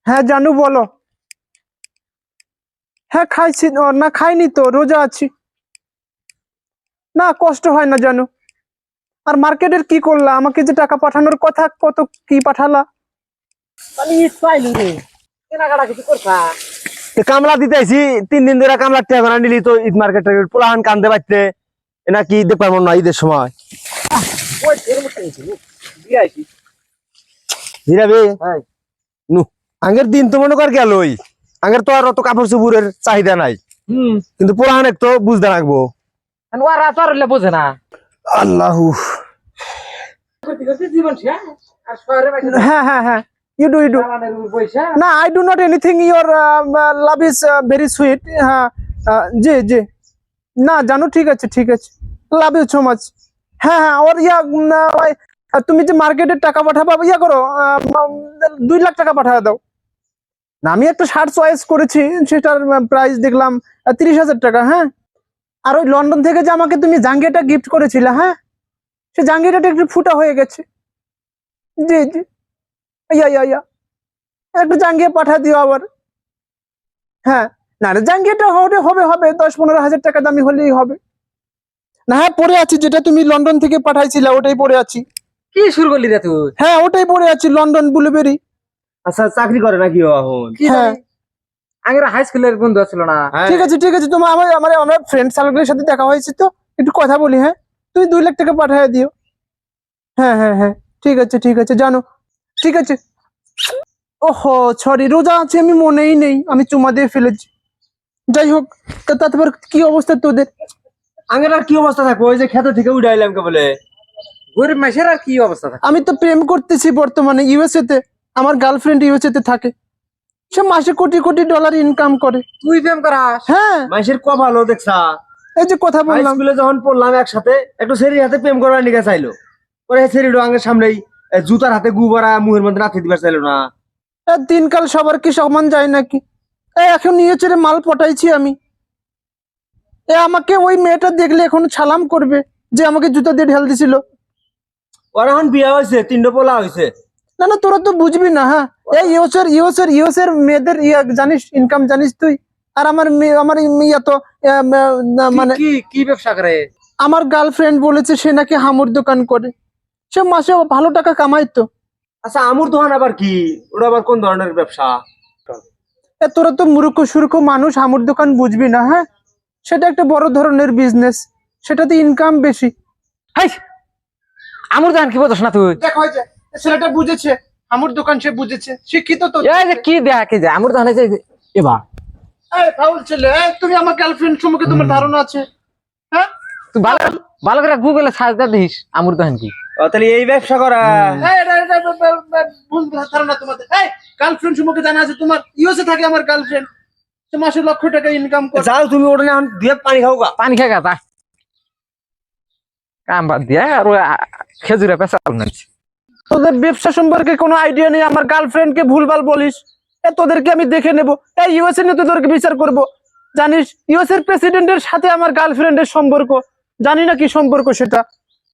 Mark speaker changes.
Speaker 1: হ্যাঁ জানু বলো। হ্যাঁ খাইছি না, খাইনি তো, রোজা আছি। না কষ্ট হয় না জানু। আর মার্কেটের কি করলা? আমাকে যে টাকা পাঠানোর কথা, কত কি পাঠালা?
Speaker 2: কেনাকাটা কিছু করছা?
Speaker 3: কামলা দিতেছি 3 দিন ধরে কামলা টাকা না নিলি তো ঈদ মার্কেটে পোলাহান কান্দে বাড়তে এনা কি ঈদ পারবো না ঈদের সময় হিরাবে নু আগের দিন তো মনে কর গেলই। আগের তো আর অত কাপড় চুপুরের চাহিদা নাই, কিন্তু পোলাহান তো বুঝতে রাখবো।
Speaker 2: ওরা তো আর বোঝে না।
Speaker 3: আল্লাহ
Speaker 2: জীবন শেষ। আর শহরে
Speaker 1: হ্যাঁ হ্যাঁ হ্যাঁ, ইউ ডু
Speaker 2: পয়সা
Speaker 1: না, I do not anything, your love is very sweet. হ্যাঁ জি জি, না জানো, ঠিক আছে ঠিক আছে, লাভ ইউ সো মাচ। হ্যাঁ হ্যাঁ, ওর তুমি যে মার্কেটের টাকা পাঠাবা, ইয়া করো, 2 লাখ টাকা পাঠা দাও না। আমি একটা শার্ট চয়েস করেছি, সেটার প্রাইস দেখলাম 30,000 টাকা। হ্যাঁ, আর ওই লন্ডন থেকে যে আমাকে তুমি জাঙ্গিয়াটা গিফট করেছিলে, হ্যাঁ, সে জাঙ্গিয়াটা একটু ফুটা হয়ে গেছে। জি জি, ইয়া ইয়া ইয়া, একটু জাঙ্গিয়া পাঠা দিও আবার। হ্যাঁ, না না, জাঙ্গিয়াটা হবে হবে হবে 10-15 হাজার টাকা দামি হলেই হবে না। হ্যাঁ পরে আছি, যেটা তুমি লন্ডন থেকে পাঠাইছিলে ওটাই পরে আছি।
Speaker 2: কি শুরু করলি রে তুই?
Speaker 1: হ্যাঁ ওটাই পরে আছি, লন্ডন ব্লুবেরি।
Speaker 3: আচ্ছা চাকরি করে নাকি ও এখন?
Speaker 1: হ্যাঁ
Speaker 2: আগের হাই স্কুলের বন্ধু ছিল না?
Speaker 1: ঠিক আছে ঠিক আছে, তোমার আমার ফ্রেন্ড সার্কেলের সাথে দেখা হয়েছে, তো একটু কথা বলি। হ্যাঁ, তুমি 2 লাখ টাকা পাঠিয়ে দিও। হ্যাঁ হ্যাঁ হ্যাঁ, ঠিক আছে জানো, ঠিক আছে। ওহো সরি, রোজা আছে, আমি মনেই নেই, আমি চুমা দিয়ে ফেলেছি। যাই হোক, তারপর কি অবস্থা তোদের?
Speaker 3: আগের আর কি অবস্থা থাকবো, ওই যে খেতে থেকে উঠাইলাম কে বলে।
Speaker 2: গরিব মাসের আর কি অবস্থা থাকে?
Speaker 1: আমি তো প্রেম করতেছি বর্তমানে ইউএসএ তে। আমার গার্লফ্রেন্ড ইউএসএ তে থাকে, সে মাসে কোটি কোটি ডলার ইনকাম করে।
Speaker 2: তুই প্রেম করাস?
Speaker 1: হ্যাঁ,
Speaker 3: মানুষের কপালও দেখছা।
Speaker 1: এই যে কথা বললাম।
Speaker 3: স্কুলে যখন পড়লাম একসাথে, একটু সেরির হাতে প্রেম করবার নিকে চাইলো, পরে সেরিডো আঙ্গের সামনেই জুতার হাতে গু ভরা মুহের মধ্যে রাখতে দিবার চাইলো না।
Speaker 1: দিনকাল সবার কি সমান যায় নাকি? এখন ইউএসএ রে মাল পটাইছি আমি। আমাকে ওই মেয়েটা দেখলে এখন ছালাম করবে, যে আমাকে জুতা দিয়ে ঢেল দিছিল।
Speaker 3: ওর এখন বিয়া হয়েছে, 3টা পোলা হয়েছে।
Speaker 1: না না, তোরা তো বুঝবি না। হ্যাঁ, এই ইউএসএর মেয়েদের জানিস, ইনকাম জানিস তুই? আর আমার ইয়া তো মানে
Speaker 2: কি কি ব্যবসা করে?
Speaker 1: আমার গার্লফ্রেন্ড বলেছে সে নাকি হামুর দোকান করে, সে মাসে ভালো টাকা কামাই তো।
Speaker 3: আচ্ছা আমুর দোকান আবার কি? ওটা আবার কোন ধরনের ব্যবসা?
Speaker 1: তোরা তো মূর্খ সূর্খ মানুষ, হামুর দোকান বুঝবি না। হ্যাঁ, সেটা একটা বড় ধরনের বিজনেস, সেটাতে ইনকাম বেশি।
Speaker 2: হাই, আমুর দোকান কি বুঝছ না তুই?
Speaker 1: দেখো যে ছেলেটা বুঝেছে, হামুর দোকান সে বুঝেছে, শিক্ষিত তো।
Speaker 2: এই যে কি দেখ, এই যে আমুর দোকানে যে এবা
Speaker 1: এই ফাউল ছেলে, তুমি আমার গার্লফ্রেন্ড সম্পর্কে তোমার ধারণা আছে? হ্যাঁ,
Speaker 2: তুই ভালো ভালো করে গুগলে সার্চ দে, দিস আমুর দোকান কি।
Speaker 3: তাহলে এই ব্যবসা করা?
Speaker 1: ভুল ধারণা তোমাদের। এই গার্লফ্রেন্ড সম্পর্কে জানা আছে তোমার? ইউএসএ থাকে আমার গার্লফ্রেন্ড, সে মাসে লক্ষ টাকা ইনকাম করে।
Speaker 3: যাও তুমি ওটা এখন দিয়ে পানি খাও গা।
Speaker 2: পানি খেয়ে গা কাম বাদ দিয়া আর খেজুরে পেঁচাল নাইছি।
Speaker 1: তোদের ব্যবসা সম্পর্কে কোনো আইডিয়া নেই, আমার গার্লফ্রেন্ডকে ভুলভাল বলিস। তোদেরকে আমি দেখে নেবো, এই ইউএসএ নিয়ে তোদেরকে বিচার করব। জানিস ইউএস এর প্রেসিডেন্টের সাথে আমার গার্লফ্রেন্ডের সম্পর্ক, জানি না কি সম্পর্ক সেটা।